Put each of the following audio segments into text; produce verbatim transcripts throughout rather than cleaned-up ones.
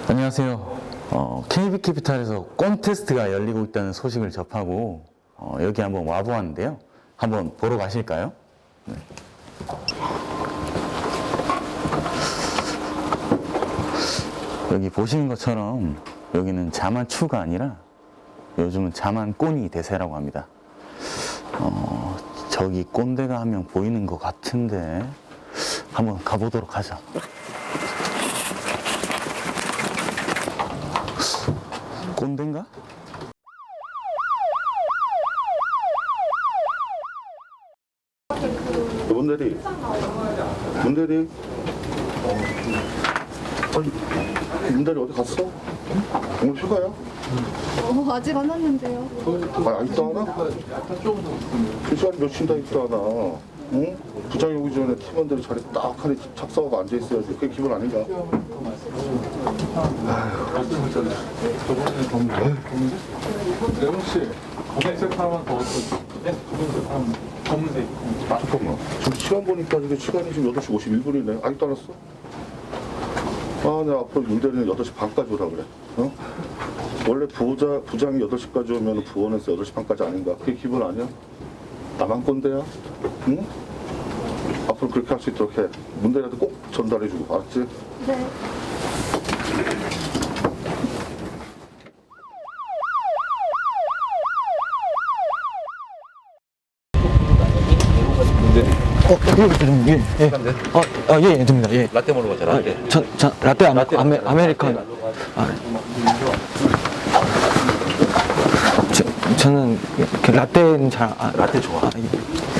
안녕하세요. 어, 케이비캐피탈에서 콘테스트가 열리고 있다는 소식을 접하고 어, 여기 한번 와보았는데요. 한번 보러 가실까요? 네. 여기 보시는 것처럼 여기는 자만추가 아니라 요즘은 자만꼰이 대세라고 합니다. 어, 저기 꼰대가 한 명 보이는 것 같은데 한번 가보도록 하죠. 꼰대인가? 문대리, 문대리, 아니, 문대리 어디 갔어? 오늘 휴가야? 어, 아직 안 왔는데요. 아, 아직도 안 와? 그 시간 며칠 다 있도 안 와. 응? 부장이 오기 전에 팀원들이 자리 딱 하니 착석하고 앉아있어야지. 그게 기분 아닌가? 레몬 씨, 검은색 하나만 더 넣어주세요. 네, 검은색 하나만. 검은색. 아, 잠깐만. 지금 시간 보니까 지금 시간이 지금 여덟 시 오십일 분이네. 아직도 안 왔어? 아, 내가 앞으로 문대리는 여덟 시 반까지 오라 그래. 어? 원래 부자, 부장이 여덟 시까지 오면 부원에서 여덟 시 반까지 아닌가? 그게 기분 아니야? 나만 꼰대야? 응? 앞으로 그렇게 할 수 있도록 해. 문대리한테 꼭 전달해주고, 알았지? 네. 어, 이거 좀, 예, 예. 어, 아, 예, 예, 됩니다. 예. 라떼 먹으러 가자, 라떼. 저, 저, 라떼 안 먹고, 아메, 아메리카노. 아, 저, 저는, 그 라떼는 잘, 아, 라떼 좋아. 아, 예.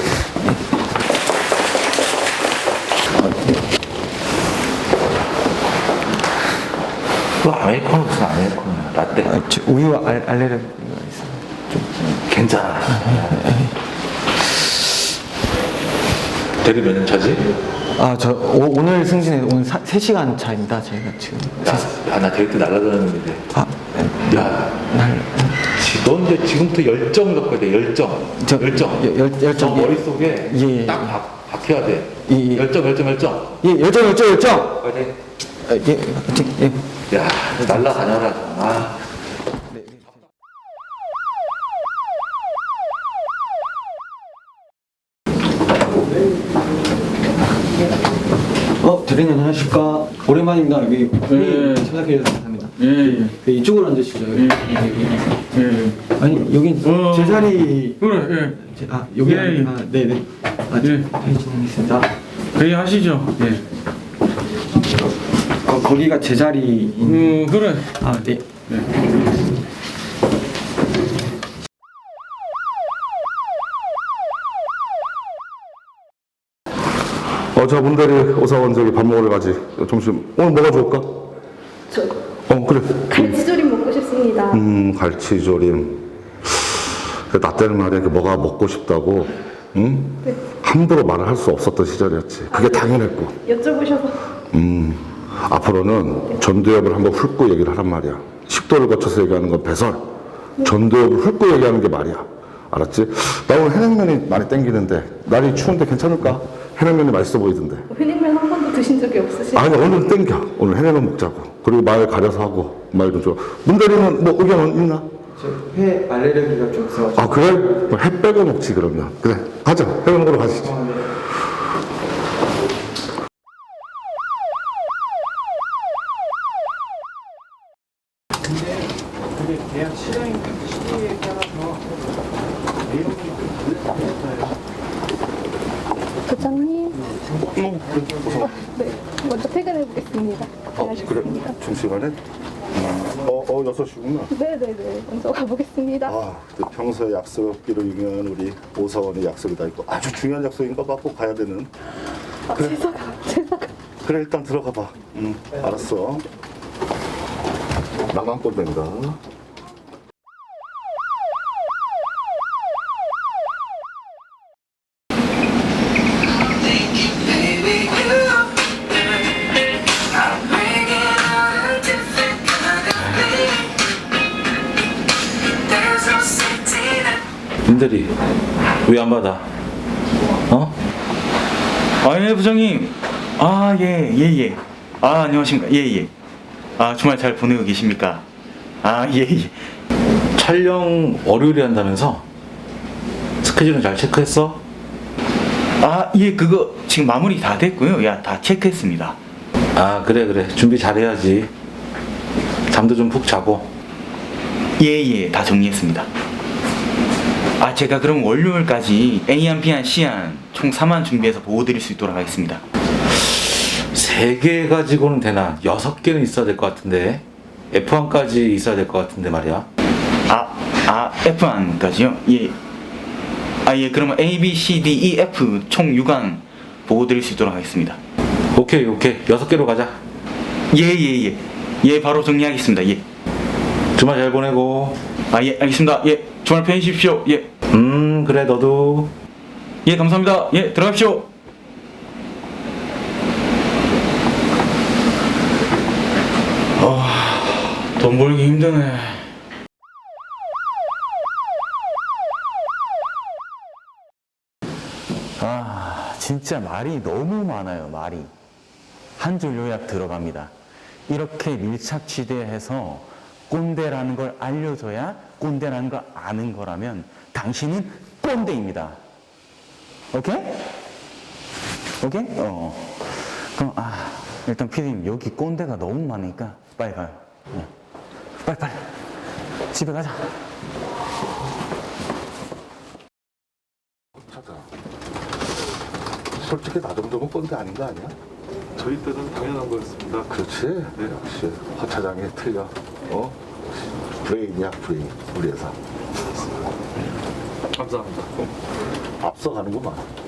그 아메리카노 무슨 아메리카노야, 라떼. 아, 저 우유 알, 알레르기가 있어요. 괜찮아. 대리 몇 년 차지? 아, 저, 오, 오늘 승진해, 오늘 사, 세 시간 차입니다, 저희가 지금. 야, 야, 나 대리 때 날라다녔는데. 아, 야, 날, 지- 넌 이제 지금부터 열정을 갖고 해야 돼, 열정. 저, 열정. 열- 열- 열정, 너 예. 머릿속에 예, 예, 딱 예. 박, 박혀야 돼. 예, 예. 열정, 열정, 열정. 예, 열정, 열정, 열정! 파이팅. 아, 예, 예, 예. 야, 날라다녀라. 아. 어, 대리님 안녕하십니까. 오랜만입니다. 여기 회의 참석해 주셔서 감사합니다. 예, 예. 네, 이쪽으로 앉으시죠. 예, 예. 아니, 여긴 어. 제 자리. 그래, 예. 제, 아, 여기. 예, 예. 아, 네네. 아, 예. 회의 진행하겠습니다. 회의 하시죠. 예. 거, 거기가 제 자리. 음, 그래. 아, 네. 네. 어, 자, 문대리, 오사원 저기 밥 먹으러 가지. 점심, 오늘 뭐가 좋을까? 저 어, 그래. 갈치조림 먹고 싶습니다. 음, 갈치조림. 그 나 때는 말이야, 그 뭐가 먹고 싶다고, 응? 네. 함부로 말을 할 수 없었던 시절이었지. 그게 당연했고. 여쭤보셔서 음, 앞으로는 전두엽을 한번 훑고 얘기를 하란 말이야. 식도를 거쳐서 얘기하는 건 배설. 전두엽을 훑고 얘기하는 게 말이야. 알았지? 나 오늘 해냉면이 많이 땡기는데, 날이 추운데 괜찮을까? 해냉면이 맛있어 보이던데. 회냉면 한 번도 드신 적이 없으시죠? 아니, 오늘 땡겨. 오늘 해냉면 먹자고. 그리고 말 가려서 하고, 말 좀 줘. 문대리는 뭐 의견은 있나? 저 회 알레르기가 좀 있어가지고. 아, 그래? 그럼 해 빼고 먹지, 그러면. 그래. 가자. 해 먹으러 가시죠. 부장님. 어, 네. 먼저 퇴근해 보겠습니다. 어, 그래. 수고하셨습니다. 점심시간에? 음, 어, 어, 여섯 시구나. 네네네. 먼저 가보겠습니다. 아, 또 평소에 약속기로 유명한 우리 오사원의 약속이 다 있고 아주 중요한 약속인가 봐. 꼭 가야 되는. 아, 제사가 제사가. 그래, 일단 들어가 봐. 응, 알았어. 나만 꼴된다. 민들이 왜 안 받아? 어? 아, 예, 부장님. 아, 예, 예, 예. 아, 안녕하십니까. 예, 예. 아, 주말 잘 보내고 계십니까? 아, 예, 예. 촬영 월요일에 한다면서? 스케줄은 잘 체크했어? 아, 예, 그거 지금 마무리 다 됐고요. 야, 다 체크했습니다. 아, 그래, 그래. 준비 잘해야지. 잠도 좀 푹 자고. 예, 예, 다 정리했습니다. 아, 제가 그럼 월요일까지 A안, B안, C안 총 삼 안 준비해서 보고 드릴 수 있도록 하겠습니다. 세 개 가지고는 되나? 여섯 개는 있어야 될 것 같은데. 에프 원까지 있어야 될 것 같은데 말이야. 아, 아, 에프안까지요? 예. 아, 예, 그러면 A, B, C, D, E, F 총 육 안 보고 드릴 수 있도록 하겠습니다. 오케이, 오케이. 여섯 개로 가자. 예, 예, 예. 예, 바로 정리하겠습니다. 예. 주말 잘 보내고. 아, 예, 알겠습니다. 예, 주말 편히 쉬십시오. 예. 음, 그래, 너도. 예, 감사합니다. 예, 들어가십시오. 아, 돈 벌기 힘드네. 아, 진짜 말이 너무 많아요, 말이. 한 줄 요약 들어갑니다. 이렇게 밀착 취재해서 꼰대라는 걸 알려줘야 꼰대라는 걸 아는 거라면 당신은 꼰대입니다. 오케이? 오케이? 어. 그럼, 아, 일단 피디님, 여기 꼰대가 너무 많으니까 빨리 가요. 네. 빨리, 빨리. 집에 가자. 차장. 솔직히 나 정도면 꼰대 아닌 거 아니야? 저희 때는 당연한 거였습니다. 그렇지. 네, 역시 허 차장이 틀려. 어? 브레인이야, 브레인. 우리 회사. 감사합니다. 앞서가는구만.